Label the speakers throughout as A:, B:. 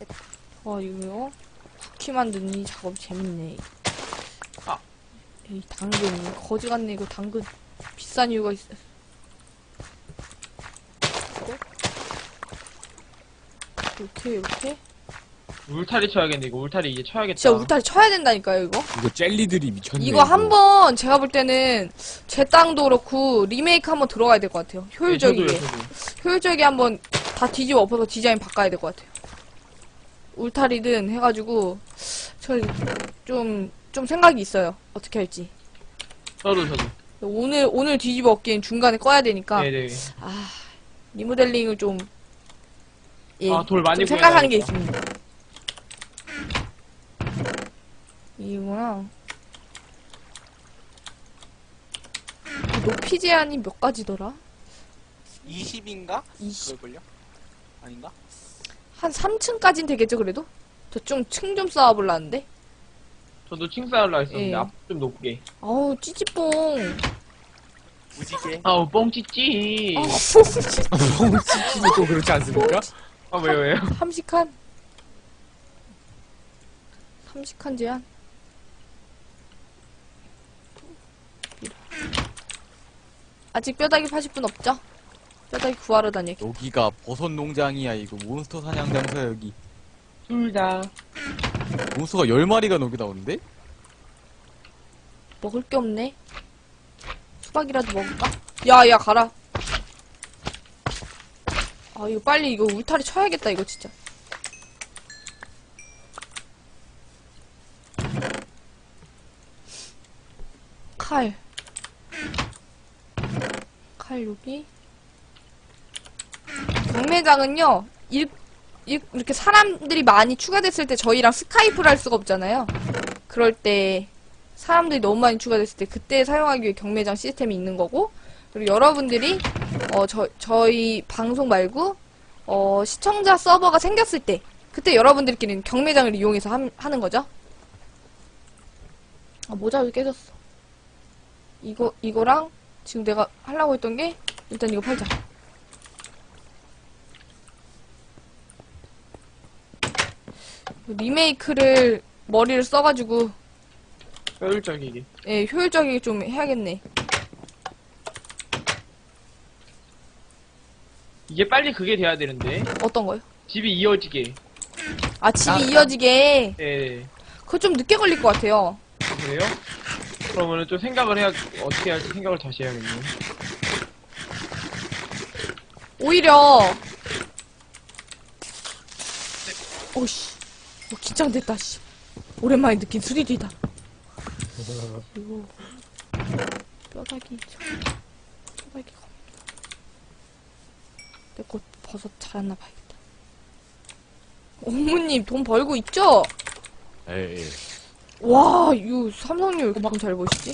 A: 이거요? 쿠키 만드는 이 작업 재밌네.
B: 아.
A: 이 당근 거지 같네. 이거 당근 비싼 이유가 있어. 이렇게
B: 울타리 쳐야겠네. 이거 울타리 이제 쳐야겠다.
A: 진짜 울타리 쳐야 된다니까요. 이거
C: 젤리들이 미쳤네.
A: 이거 한번 제가 볼 때는 제 땅도 그렇고 리메이크 한번 들어가야 될 것 같아요. 효율적이게.
B: 네, 저도요.
A: 효율적이게 한번 다 뒤집어 엎어서 디자인 바꿔야 될 것 같아요. 울타리든 해가지고 저 좀 생각이 있어요. 어떻게 할지.
B: 저도.
A: 오늘 뒤집어 엎기엔 중간에 꺼야 되니까.
B: 네네.
A: 리모델링을 좀
B: 돌 많이
A: 좀 생각하는 게
B: 구해놔야겠다.
A: 있습니다. 이거랑 높이 제한이 몇 가지더라?
D: 20인가?
A: 20.
D: 그걸걸요? 아닌가?
A: 한 3층까진 되겠죠, 그래도? 저 좀 층 좀 쌓아볼라는데?
B: 저도 층 쌓으려 했었는데
A: 예.
B: 앞 좀 높게.
A: 아우, 찌찌뽕.
D: 무지개.
B: 아우 뻥찌찌.
C: 뻥치치도 또 그렇지 않습니까?
B: 왜요?
A: 함식한 제한. 아직 뼈다귀 파실 분 없죠? 뼈다귀 구하러 다녀.
C: 여기가 버섯 농장이야. 이거 몬스터 사냥 장소야. 여기
B: 둘 다.
C: 몬스터가 10마리가 여기 나오는데?
A: 먹을 게 없네. 수박이라도 먹을까? 야, 가라. 이거 빨리 이거 울타리 쳐야겠다, 이거 진짜. 칼 여기. 경매장은요, 이렇게 사람들이 많이 추가됐을 때 저희랑 스카이프를 할 수가 없잖아요. 그럴 때 사람들이 너무 많이 추가됐을 때 그때 사용하기 위해 경매장 시스템이 있는 거고, 그리고 여러분들이 저희 방송 말고 시청자 서버가 생겼을 때 그때 여러분들끼리는 경매장을 이용해서 하는 거죠. 모자 왜 깨졌어. 이거랑 지금 내가 하려고 했던 게 일단 이거 팔자. 리메이크를 머리를 써가지고
B: 효율적이게.
A: 예, 효율적이게 좀 해야겠네.
B: 이게 빨리 그게 돼야 되는데.
A: 어떤 거요?
B: 집이 이어지게.
A: 집이 이어지게.
B: 네.
A: 그거 좀 늦게 걸릴 것 같아요.
B: 그래요? 그러면은 좀 생각을 어떻게 할지 생각을 다시 해야겠네.
A: 오히려 오씨, 긴장됐다. 씨, 오랜만에 느낀 스릴이다. 그리고 뼈다귀 내 것 버섯 잘았나 봐야겠다. 어머님 돈 벌고 있죠?
C: 에이.
A: 와, 이거 삼성님 왜 이렇게 돈 잘 버시지?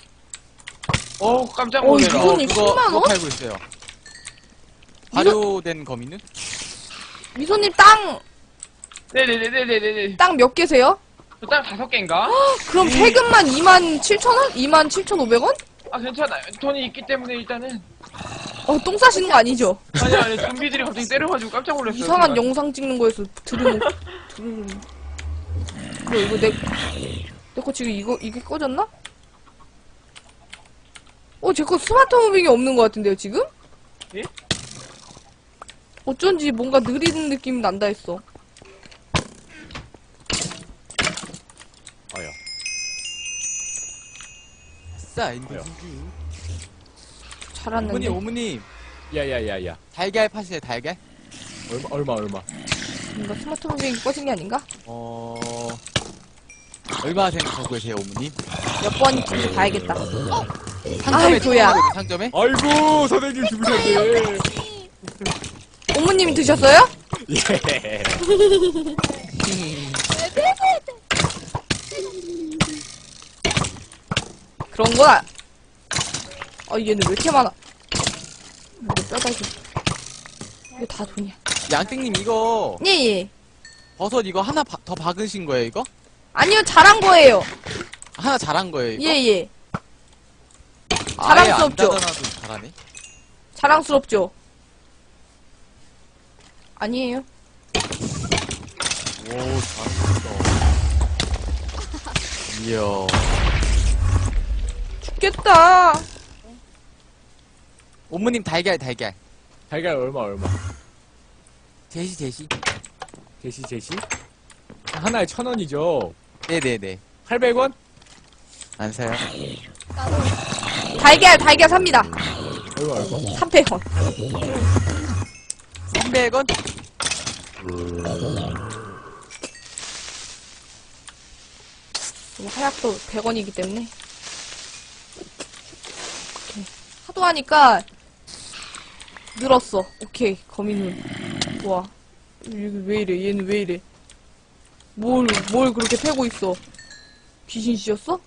B: 깜짝 놀래라.
A: 미소님 10만 원?
C: 그거 팔고 있어요. 발효된 거미는?
A: 미소님 땅
B: 네네네네네네.
A: 몇 개세요?
B: 저땅 5개인가?
A: 그럼 세금만 27,000원? 27,500원?
B: 괜찮아요. 돈이 있기 때문에 일단은.
A: 똥 싸시는 거 아니죠?
B: 아니, 좀비들이 갑자기 때려가지고 깜짝 놀랐어요.
A: 이상한
B: 순간.
A: 영상 찍는 거에서 들으면 이거 내 거 지금 이게 꺼졌나? 제 거 스마트 무빙이 없는 것 같은데요 지금?
B: 예?
A: 어쩐지 뭔가 느리는 느낌이 난다 했어.
C: 아야.
D: 아싸, 인도주주.
A: 잘았는데.
D: 어머님.
C: 야야야야.
D: 달걀 파세요, 달걀?
C: 얼마?
A: 뭔가 스마트 무빙이 꺼진 게 아닌가?
D: 얼마 생각하고 계세요, 어머님?
A: 몇 번인지 봐야겠다.
D: 상점에
A: 아이고야.
D: 찍어놓은 상점에?
C: 아이고 선생님 죽으셨네.
A: 어머님이 드셨어요?
C: 예.
A: 그런 거야. 얘는 왜 이렇게 많아? 이거 뼈다귀. 이거 다 돈이야.
D: 양띵님 이거
A: 예.
D: 버섯 이거 하나 더 박으신 거예요, 이거?
A: 아니요, 잘한 거예요.
D: 하나 잘한 거예요, 이거?
A: 예.
D: 아예 안
A: 자랑스럽죠?
D: 닫아놔도 잘하네.
A: 자랑스럽죠? 아니에요.
C: 잘했어. 이야.
A: 죽겠다.
D: 옴무님 달걀.
E: 달걀 얼마?
D: 제시.
E: 제시? 하나에 1,000원이죠.
D: 네네네.
E: 800원?
D: 안 사요?
A: 달걀 삽니다.
E: 얼마?
A: 300원.
D: 300원?
A: 하약도 100원이기 때문에. 오케이. 하도 하니까 늘었어. 오케이. 거미눈. 와. 이게 왜 이래? 얘는 왜 이래? 뭘 그렇게 패고 있어? 귀신 씨였어?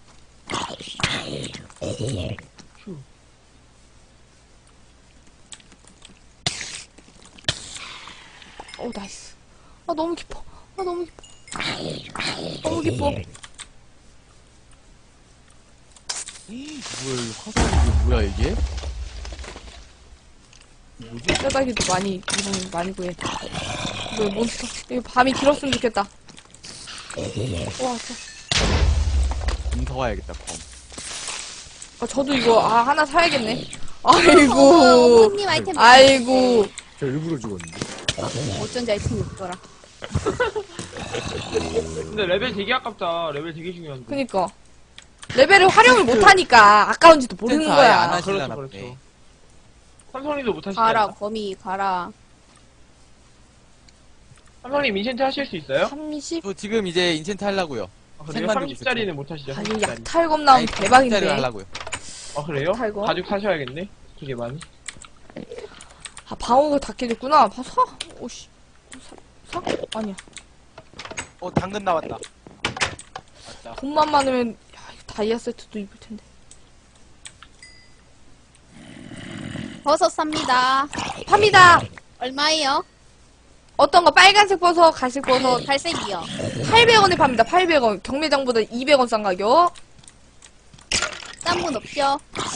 A: 나이스. 너무 깊어. 너무 깊어. 너무 깊어.
D: 화살이 이게 뭐야 이게?
A: 뼈다귀도 많이 구해. 이거 몬스터. 이거 밤이 길었으면 좋겠다. 왔어.
C: 검 사와야겠다, 검.
A: 저도 이거, 하나 사야겠네. 아이고.
F: 어머님 아이템
A: 아이고.
E: 저 일부러 죽었는데.
F: 어쩐지 아이템이 없더라.
B: 근데 레벨 되게 아깝다. 레벨 되게 중요한데.
A: 그니까. 레벨을 활용을 못하니까 아까운지도 모르는
D: 센터 아예 안
A: 거야.
D: 하시-
B: 그렇죠,
D: 보네.
B: 그렇죠. 삼성님도 못하시지
F: 가라
B: 않나?
F: 거미 가라.
B: 삼성님 인챈트 하실 수 있어요?
A: 30?
D: 저 지금 이제 인챈트 하려고요.
B: 그래요?
D: 생만 들고
B: 30짜리는 못하시죠?
A: 아니,
B: 30짜리.
A: 약탈검 나오면 대박인데.
D: 하려고요.
B: 그래요?
A: 탈거?
B: 가죽 사셔야겠네. 되게 많이.
A: 방어가 다 깨졌구나. 사? 오씨. 사? 아니야.
C: 당근 나왔다.
A: 돈만 많으면, 이거 다이아 세트도 입을 텐데.
F: 버섯 삽니다.
A: 팝니다!
F: 얼마예요?
A: 어떤 거 빨간색 버섯, 갈색 버섯,
F: 갈색이요.
A: 800원에 팝니다. 800원. 경매장보다 200원 싼 가격.
F: 딴 분 없죠?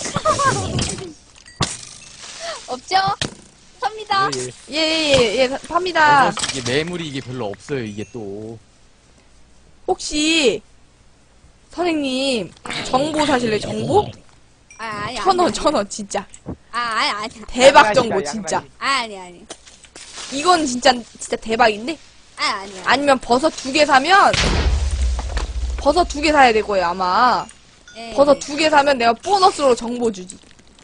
F: 없죠? 삽니다.
E: 예.
A: 팝니다.
D: 이게 매물이 이게 별로 없어요 이게 또.
A: 혹시, 선생님, 정보 사실래요? 정보?
F: 아니.
A: 1,000원, 진짜.
F: 아니.
A: 대박 정보, 진짜.
F: 아니.
A: 이건 진짜 대박인데?
F: 아니.
A: 아니면 버섯 2개 사면, 버섯 2개 사야 될 거예요, 아마.
F: 예.
A: 버섯 2개 사면 내가 보너스로 정보 주지.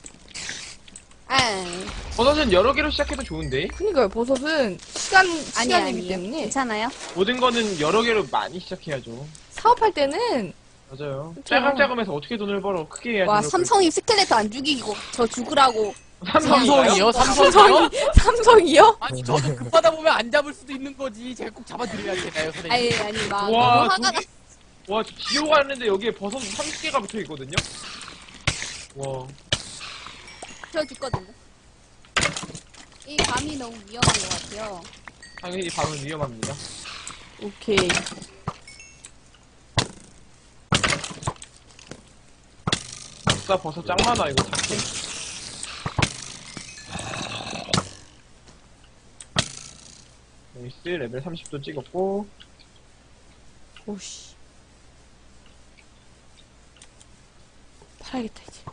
F: 아니.
B: 버섯은 여러 개로 시작해도 좋은데?
A: 그니까요, 버섯은 시간이기 때문에.
F: 괜찮아요?
B: 모든 거는 여러 개로 많이 시작해야죠.
A: 사업할 때는,
B: 맞아요.
A: 그쵸.
B: 짜감짜감해서 어떻게 돈을 벌어? 크게 해야지.
F: 와
B: 그럴
F: 삼성이 스켈레트 안 죽이고 저 죽으라고.
B: 걸. 삼성이요?
D: 삼성이요?
A: 삼성이요?
D: 아니 저도 급하다 보면 안 잡을 수도 있는 거지. 제가 꼭 잡아드려야 되나요 선생님?
F: 아니 막
B: 와,
F: 너무 화가 나.
B: 저기, 와, 저 지옥 왔는데 여기에 버섯 30개가 붙어 있거든요? 와.
F: 저 죽거든요. 이 밤이 너무 위험한 것 같아요.
B: 당연히 밤은 위험합니다.
A: 오케이.
B: 진짜 버섯 짱 많아, 이거 잡기. 나이스, 레벨 30도 찍었고.
A: 오씨. 팔아야겠다, 이제.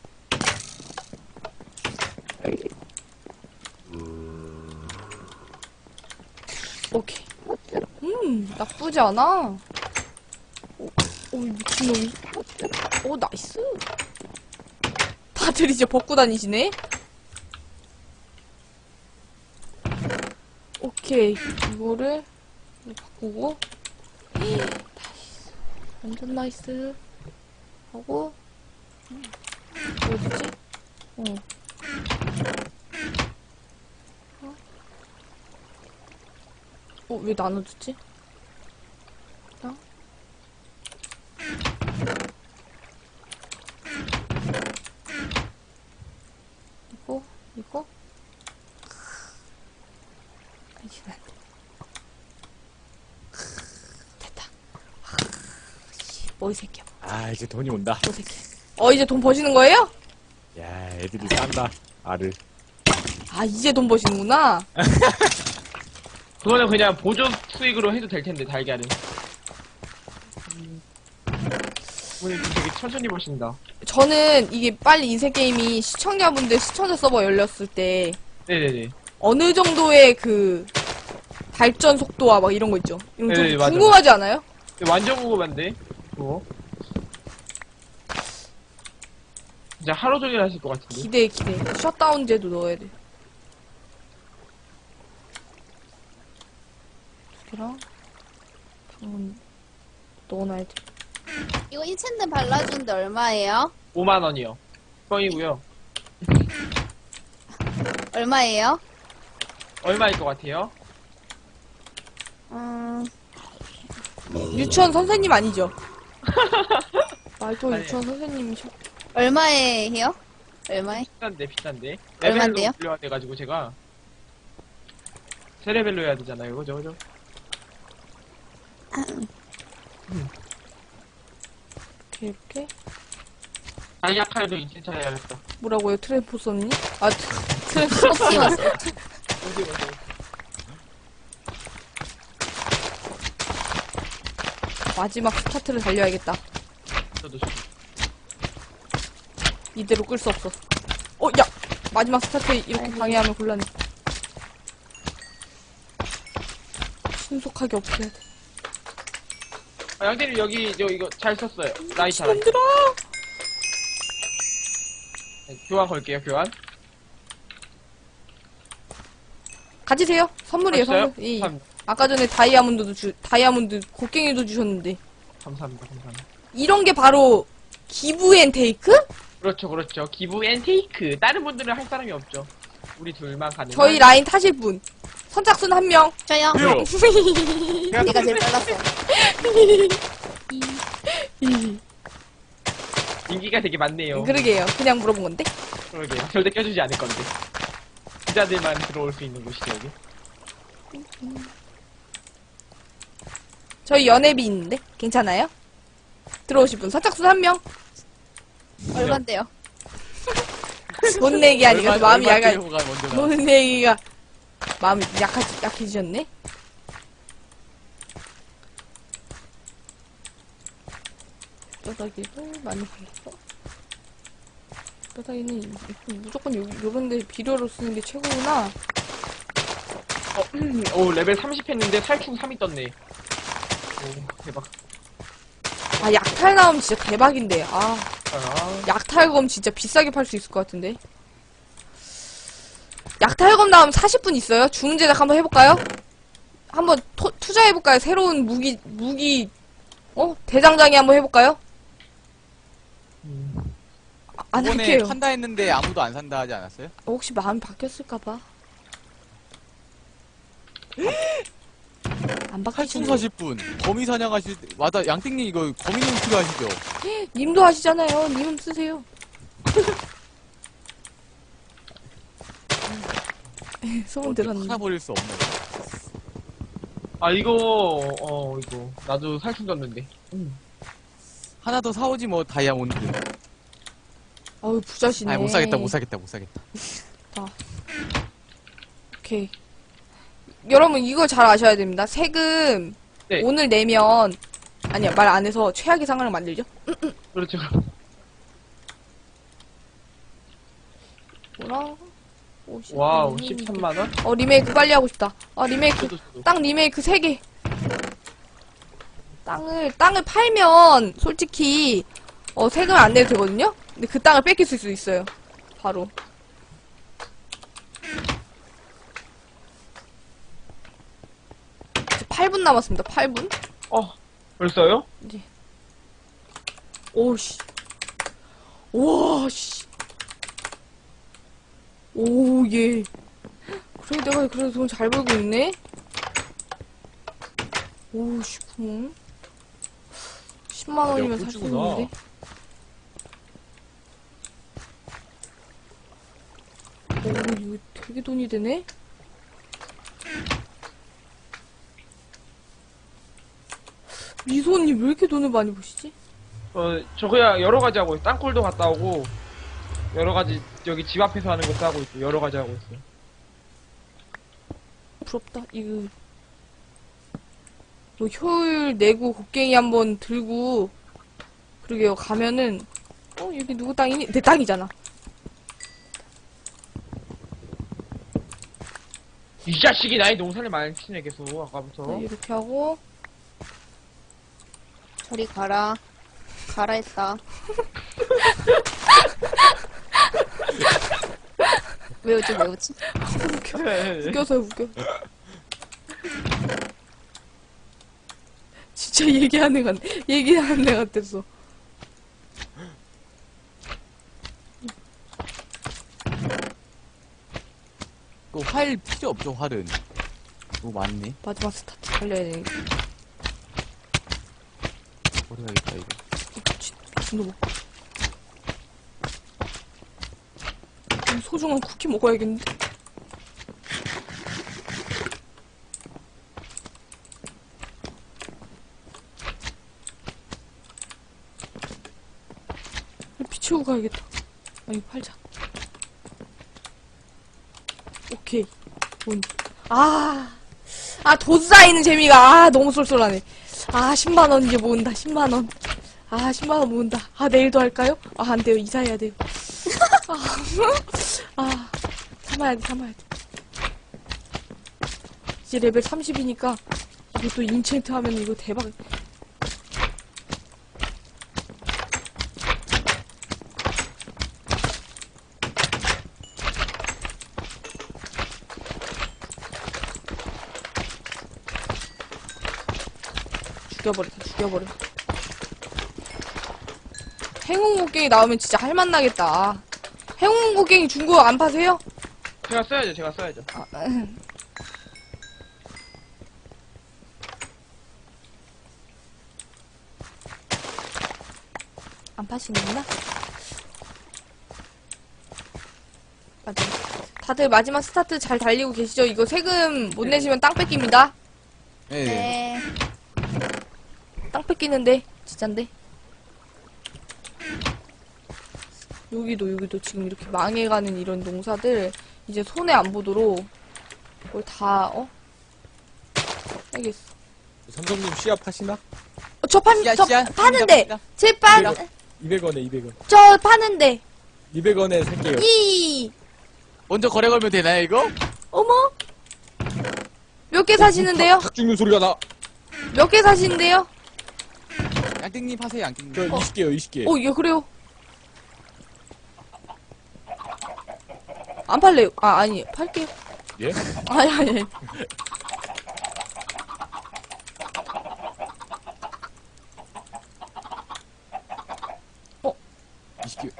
A: 오케이. 나쁘지 않아. 오, 미친놈이. 오, 나이스. 다들 이제 벗고 다니시네? 오케이. 이거를 바꾸고. 나이스. 완전 나이스. 하고. 어디지? 왜 나눠주지? 나? 이거? 이거 안 돼. 됐다. 뭐 이 새끼야.
E: 이제 돈이 온다.
A: 뭐 이 새끼. 이제 돈 버시는 거예요?
E: 야, 애들이 싼다. 알을.
A: 이제 돈 버시는구나.
B: 그거는 그냥 보조 수익으로 해도 될 텐데, 달걀은. 오늘 되게 천천히 보신다.
A: 저는 이게 빨리 인생 게임이 시청자분들 시청자 서버 열렸을 때
B: 네네네.
A: 어느 정도의 그 발전 속도와 막 이런 거 있죠. 이런 거 좀
B: 네, 맞아,
A: 궁금하지 않아요?
B: 완전 궁금한데, 그거. 진짜 하루 종일 하실 것 같은데.
A: 기대. 셧다운제도 넣어야 돼. 두 개랑 방문 넣어놔야 돼.
F: 이거 인챈트 발라주는데 얼마예요?
B: 5만원이요. 뻥이고요.
F: 얼마예요?
B: 얼마일 것 같아요?
A: 유치원 선생님 아니죠? 말도
B: 아니에요.
A: 유치원 선생님이셔.
F: 얼마에 해요? 얼마에?
B: 비싼데.
F: 얼만데요?
B: 레벨로 올려야 돼가지고 제가. 세 레벨로 해야 되잖아요, 그죠?
A: 이렇게
B: 다이아칼도 인센터 해야겠다.
A: 뭐라고요? 트랜포서님? 아
F: 띄웠어요.
A: 마지막 스타트를 달려야겠다.
B: 저도
A: 이대로 끌 수 없어. 야! 마지막 스타트 이렇게 방해하면 곤란해. 신속하게 없애야 돼.
B: 양대님 여기 이거 잘 썼어요. 라이터.
A: 힘들어!
B: 네, 교환 걸게요, 교환.
A: 가지세요. 선물이에요,
B: 벌써요?
A: 선물. 예.
B: 감,
A: 아까 전에 다이아몬드 곡괭이도 주셨는데.
B: 감사합니다.
A: 이런 게 바로 기브 앤 테이크?
B: 그렇죠. 기부 앤 테이크. 다른 분들은 할 사람이 없죠. 우리 둘만 가능.
A: 저희 라인 타실 분. 선착순 한 명.
F: 저요?
C: 왜요?
F: 내가 제일 빨랐어.
B: 인기가 되게 많네요.
A: 그러게요. 그냥 물어본 건데.
B: 그러게요. 절대 껴주지 않을 건데. 기자들만 들어올 수 있는 곳이죠, 여기.
A: 저희 연애비 있는데. 괜찮아요? 들어오실 분. 선착순 한 명.
F: 얼만데요?
A: 돈 내기 아니고 마음이 약간
C: 가 먼저 나.
A: 돈 내기가 마음이 약해지셨네. 뼈다귀도 많이 발랐어. 뼈다귀는 무조건 요런데 비료로 쓰는 게 최고구나.
B: 오, 레벨 30 했는데 살충 3이 떴네. 오, 대박.
A: 아, 약탈 나오면 진짜 대박인데. 아,
B: 아,
A: 약탈검 진짜 비싸게 팔 수 있을 것 같은데. 약탈검 나오면 40분 있어요? 주문 제작 한번 해볼까요? 한번 투자해볼까요? 새로운 무기, 대장장이 한번 해볼까요? 안
C: 이번에
A: 할게요.
C: 판다 했는데 아무도 안 산다 하지 않았어요?
A: 혹시 마음이 바뀌었을까봐. 안
C: 탈충
A: 바뀌셨네.
C: 40분. 거미 사냥하실 때, 맞아, 양띵님 이거 거미눈 필요하시죠?
A: 님도 하시잖아요. 님은 쓰세요. 소문 들었는데.
C: 하나 버릴 수 없네.
B: 아, 이거. 나도 살충 떴는데.
C: 하나 더 사오지 뭐, 다이아몬드.
A: 어우, 부자시네.
C: 아, 못 사겠다.
A: 오케이. 여러분, 이걸 잘 아셔야 됩니다. 세금,
B: 네.
A: 오늘 내면, 아니야, 말 안 해서 최악의 상황을 만들죠?
B: 그렇죠.
A: 뭐라? 50,
B: 와우, 13만원?
A: 리메이크 빨리 하고 싶다. 리메이크.
B: 저도.
A: 땅 리메이크 3개. 땅을 팔면, 솔직히, 세금 안 내도 되거든요? 근데 그 땅을 뺏길 수 있어요. 바로. 이제 8분 남았습니다. 8분?
B: 벌써요?
A: 오씨. 우와, 씨. 오, 예. 그래, 내가 그래도 돈 잘 벌고 있네? 오, 씨, 구 10만원이면 살 수
E: 꿀주구나.
A: 있는데? 오, 이거 되게 돈이 되네? 미소님 왜 이렇게 돈을 많이 버시지?
B: 저 그냥 여러 가지 하고 있어요. 땅굴도 갔다 오고, 여러 가지, 여기 집 앞에서 하는 것도 하고 있고, 여러 가지 하고 있어요.
A: 부럽다. 이거 뭐 효율 내고 곡괭이 한번 들고 그러게요. 가면은 여기 누구 땅이니? 내 땅이잖아.
B: 이 자식이 나의 농사를 망치네 계속 아까부터.
A: 네, 이렇게 하고
F: 저리 가라. 가라 했다. 왜 웃지, 왜 웃지?
A: 웃겨서 웃겨. 진짜 얘기하는 애 같았어.
C: 또 활 필요 없죠, 활은. 너무 많네.
A: 마지막 스타트 달려야 돼.
C: 버려야겠다, 이거.
A: 미친놈아. 소중한 쿠키 먹어야겠는데? 비치우고 가야겠다. 이거 팔자. 오케이. 돈 쌓이는 재미가, 너무 쏠쏠하네. 10만원 이제 모은다, 10만원. 10만원 모은다. 내일도 할까요? 안 돼요. 이사해야 돼요. 참아야 돼. 이제 레벨 30이니까, 이것도 인챈트 하면 이거 대박. 죽여버려. 행운 곡괭이 나오면 진짜 할맛나겠다. 행운 곡괭이 중고 안 파세요?
B: 제가 써야죠.
A: 안 파시는구나? 맞아. 다들 마지막 스타트 잘 달리고 계시죠? 이거 세금 못 내시면 땅 뺏깁니다.
C: 네.
F: 네.
A: 땅 뺏기는데 진짠데. 여기도 지금 이렇게 망해가는 이런 농사들 이제 손해 안 보도록 뭘 다 알겠어.
E: 삼성님 씨앗 파시나?
A: 저 파는데 제
E: 200원에 200원.
A: 저 파는데
E: 200원에 살게요.
C: 먼저 거래 걸면 되나요, 이거?
A: 어머 몇 개 사시는데요?
E: 닭 죽는 소리가 나.
A: 몇 개 사시는데요?
C: 양띵님 하세요, 양띵님.
E: 저 20개요 20개.
A: 예, 그래요. 안 팔래요. 아니, 팔게요.
E: 예?
A: 아니.
E: 20개.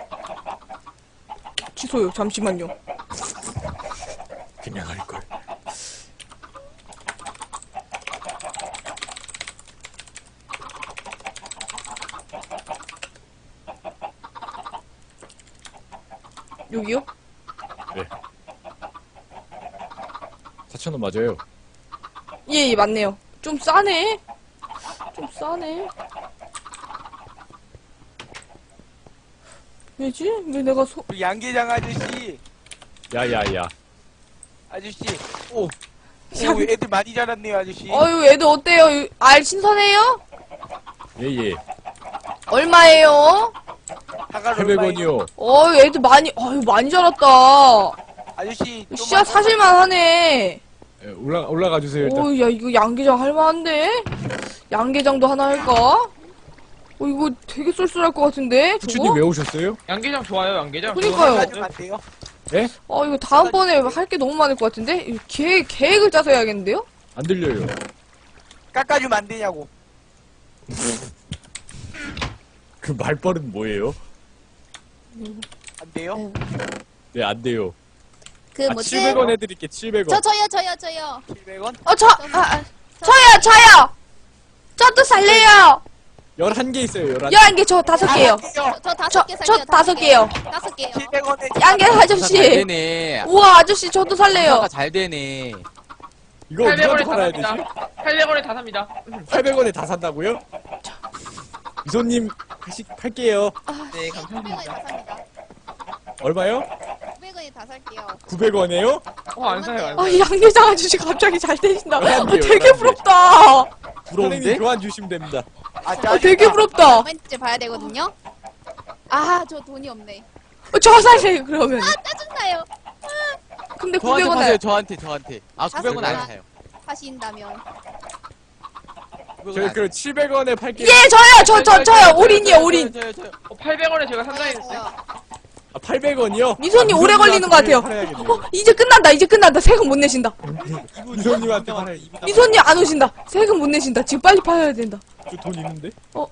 A: 취소요. 잠시만요.
E: 그냥 할 걸.
A: 여기요?
E: 네. 4,000원 맞아요.
A: 예, 맞네요. 좀 싸네. 왜지? 왜 내가
D: 우리 양계장 아저씨.
E: 야야야.
D: 아저씨. 오, 애들 많이 자랐네요, 아저씨.
A: 애들 어때요? 알 신선해요?
E: 예예.
A: 얼마예요?
D: 사과
E: 800원이요.
A: 애들 많이 자랐다.
D: 아저씨.
A: 씨앗 사실만 하네.
E: 예, 올라가 주세요 일단.
A: 야, 이거 양계장 할만한데? 양계장도 하나 할까? 이거 되게 쏠쏠할 것 같은데?
E: 부추님
A: 저거?
E: 왜 오셨어요?
B: 양계장 좋아요, 양계장.
A: 그러니까요.
D: 가지고 갔대요.
E: 예?
A: 이거 다음번에 할 게 너무 많을 것 같은데? 이거 계획을 짜서 해야겠는데요?
E: 안 들려요.
D: 깎아주면 안 되냐고.
E: 그 말버릇 뭐예요?
D: 안 돼요?
E: 네, 안 돼요.
F: 그 뭐지?
E: 700원 해드릴게, 700원.
F: 저요.
D: 700원?
A: 저요! 저도 살래요!
E: 11개 있어요, 11개.
A: 11개, 저 5개요.
F: 저 5개
A: 저
F: 살게요.
A: 5개요.
F: 5개요.
D: 700원에
A: 양계
C: 잘
A: 아저씨.
C: 되네.
A: 우와, 아저씨, 저도 살래요.
C: 장사가 잘 되네.
E: 이거 누구한테
B: 800원에 다
E: 팔아야 되지?
B: 삽니다. 800원에 다 삽니다.
E: 800원에 다 산다고요? 이손님, 팔게요.
B: 네,
F: 500원에
B: 감사합니다.
F: 다 삽니다.
E: 얼마요?
F: 500원에 다 살게요.
E: 900원에요?
B: 안 사요, 안 사요.
A: 양계장 아저씨 갑자기 잘 되신다.
E: 11개요,
A: 되게
E: 11개.
A: 부럽다.
E: 선생님
C: 부러운데?
E: 교환 주시면 됩니다.
A: 아, 되게 부럽다.
F: 멘트 봐야 되거든요. 아, 저 돈이 없네.
A: 저 사세요, 그러면.
F: 짜증나요.
A: 근데
C: 저한테
A: 900원
C: 파세요.
A: 에
C: 저한테. 아 900원 안 사요.
F: 하신다면.
C: 900원
E: 저희
C: 안
E: 그 700원에 팔게요.
A: 예, 저요. 올인이요, 올인.
C: 저요.
B: 800원에 제가 산다했는데.
E: 아, 800원이요?
A: 미소님 오래 걸리는 것 같아요. 이제 끝난다. 세금 못 내신다.
E: 미소님한테 팔아요.
A: 미소님 안 오신다. 세금 못 내신다. 지금 빨리 팔아야 된다.
E: 저돈 있는데?
A: 어.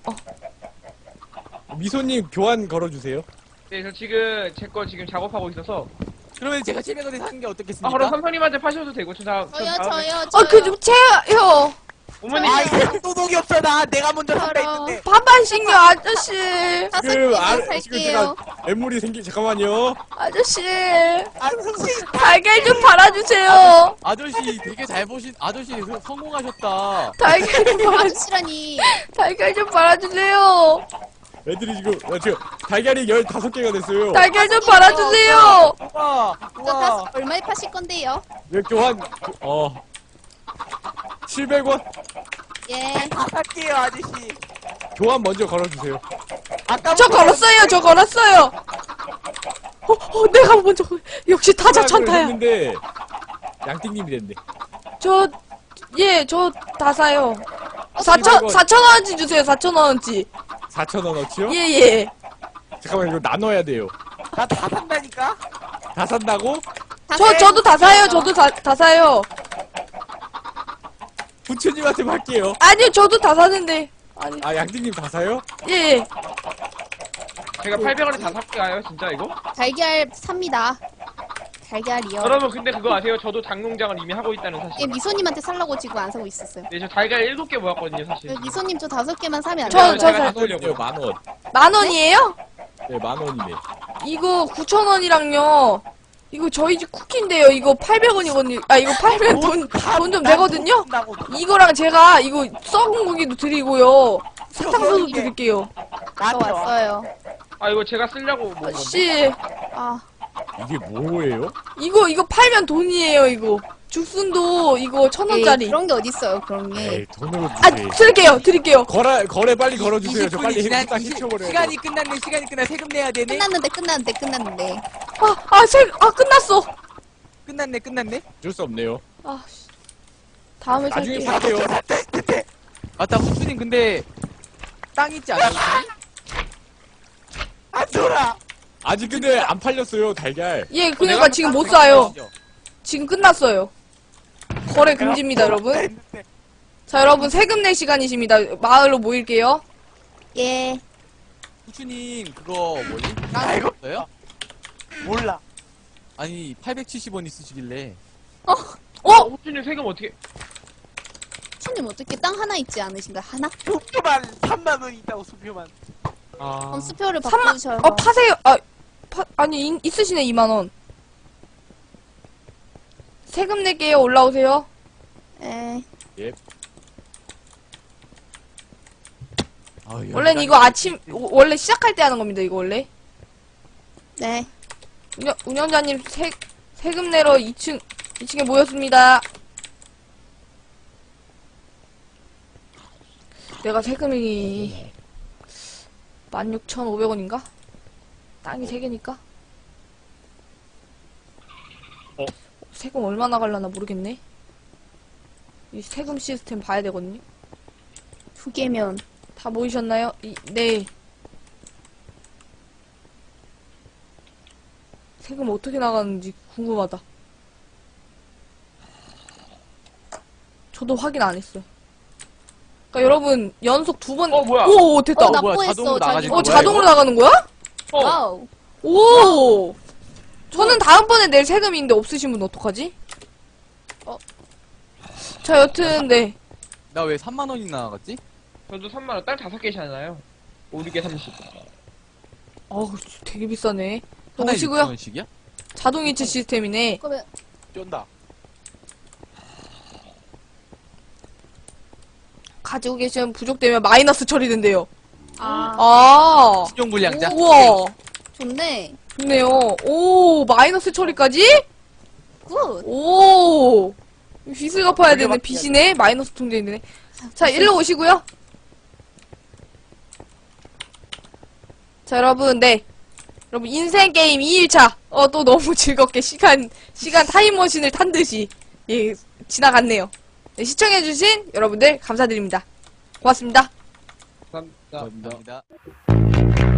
E: 미소님 교환 걸어주세요.
B: 네, 저 지금 제 거 지금 작업하고 있어서.
C: 그러면 제가 700원에 사는 게
B: 아,
C: 어떻겠습니까?
B: 그럼 삼성님한테 파셔도 되고,
F: 저요.
A: 좀 채요.
B: 어머니,
D: 소독이 없어. 내가 먼저 산다
F: 저런.
D: 했는데.
A: 반반씩요, 아저씨.
F: 다섯
E: 그,
F: 개만
E: 지금
F: 살게요.
E: 제가 애물이 잠깐만요.
A: 아저씨.
D: 아, 선생님.
A: 달걀 좀 팔아주세요.
C: 아저씨 되게 잘 보신 아저씨 성공하셨다.
A: 달걀 좀 팔아주세요.
F: 아저씨라니.
A: 달걀 좀 팔아주세요.
E: 애들이 지금 달걀이 15개가 됐어요.
A: 달걀 좀 팔아주세요.
C: 우와.
F: 저 얼마에 파실 건데요?
E: 왜 교환 700원?
F: 예.
D: 다 살게요, 아저씨.
E: 교환 먼저 걸어주세요.
A: 저 걸었어요. 내가 먼저 역시 타자 천타야.
E: 했는데 양띵님이 됐네.
A: 저 다 사요.
E: 700원.
A: 4,000원어치 주세요. 4,000원어치.
E: 4,000원어치요?
A: 예.
E: 잠깐만 이거 나눠야 돼요.
D: 나 다 산다니까?
E: 다 산다고?
A: 저도 다 사요. 저도 다 사요.
E: 부처님한테 팔게요.
A: 아니요, 저도 다 사는데. 아니,
E: 아 양띵님 다 사요?
A: 예.
B: 제가 800원에 다 살게요, 진짜 이거?
F: 달걀 삽니다. 달걀이요.
B: 여러분, 근데 그거 아세요? 저도 닭농장을 이미 하고 있다는 사실.
F: 예, 미소님한테 살라고 지금 안 사고 있었어요.
B: 네, 저 달걀 7개 모았거든요, 사실.
F: 미소님 저 5개만 사면 안
A: 저-
F: 돼요?
A: 저-
B: 제가
A: 저-
B: 사려고요.
E: 10,000원.
A: 10,000원이에요?
E: 네, 10,000원이네.
A: 이거 9,000원이랑요. 이거 저희 집 쿠키인데요. 이거 800원이거든요. 아, 이거 팔면 돈 좀 되거든요? 이거랑 제가 이거 썩은 고기도 드리고요. 사탕수수 드릴게요.
F: 저 왔어요.
B: 아, 이거 제가 쓰려고 모은 건데.
A: 씨,
F: 아,
E: 이게 뭐예요?
A: 이거 팔면 돈이에요, 이거. 죽순도 이거
F: 에이,
A: 1,000원짜리.
F: 그런 게 어딨어요, 그런 게.
E: 에이 돈으로
A: 아,
E: 주지.
A: 드릴게요.
E: 거래 빨리 걸어주세요. 저
D: 20분이
E: 빨리
D: 지난
E: 딱 해쳐버려요.
D: 시간이 끝났네. 세금 내야 되네.
F: 끝났는데.
A: 끝났어.
D: 끝났네.
E: 어쩔 수 없네요.
A: 아, 씨. 다음에
E: 나중에
A: 살게요.
E: 팔게요.
C: 맞다 후추님 근데 땅 있지 않아요?
D: 안 돌아.
E: 아직 근데 안 팔렸어요 달걀.
A: 예, 그러니까 지금 못 사요. 지금 끝났어요. 거래 금지입니다, 여러분. 자, 여러분 세금 낼 시간이십니다. 마을로 모일게요.
F: 예.
C: 후추님 그거 뭐지?
D: 알고
C: 없어요?
D: 몰라.
C: 아니 870원 있으시길래
B: 호주님 세금 어떻게.
F: 손님 어떻게 땅 하나 있지 않으신가? 하나?
D: 수표만 3만 원 있다고 수표만.
B: 아.
F: 그럼 수표를
A: 3만,
F: 바꾸셔서.
A: 파세요. 아니, 있으시네, 2만원. 세금 낼게요, 올라오세요.
F: 예.
A: 원래는 이거 원래 시작할 때 하는 겁니다, 이거 원래.
F: 네.
A: 운영자님, 세금 내러 2층에 모였습니다. 내가 세금이 16,500원인가? 땅이 3개니까? 세금 얼마 나갈라나 모르겠네. 이 세금 시스템 봐야 되거든요.
F: 2개면.
A: 다 모이셨나요? 네. 세금 어떻게 나가는지 궁금하다. 저도 확인 안 했어요. 그러니까 여러분 연속 2번.
B: 뭐야?
A: 오, 됐다.
F: 납부했어,
C: 자동으로 나가지.
F: 자기.
A: 자동으로 나가는 거야?
F: 와우.
A: 오. 저는 다음번에 낼 세금인데 없으신 분 어떡하지? 자, 여튼 네.
C: 나 왜 3만 원이 나갔지?
B: 저도 3만원, 땅 5개잖아요. 5, 6개 30.
A: 되게 비싸네.
C: 하나에
A: 오시고요.
C: 6,000원씩이야?
A: 자동이체 시스템이네.
F: 그러면
D: 쫀다.
A: 가지고 계시면 부족되면 마이너스 처리된대요.
F: 아,
C: 신용 불량자.
A: 우와.
F: 좋네.
A: 좋네요. 오, 마이너스 처리까지?
F: 굿.
A: 오. 빚을 갚아야 되네. 빚이네. 마이너스 통장이 되네. 자, 일로 오시고요. 자, 여러분, 네. 여러분, 인생 게임 2일차. 또 너무 즐겁게 시간 타임머신을 탄 듯이, 예, 지나갔네요. 네, 시청해주신 여러분들 감사드립니다. 고맙습니다.
B: 감사합니다.
C: 감사합니다.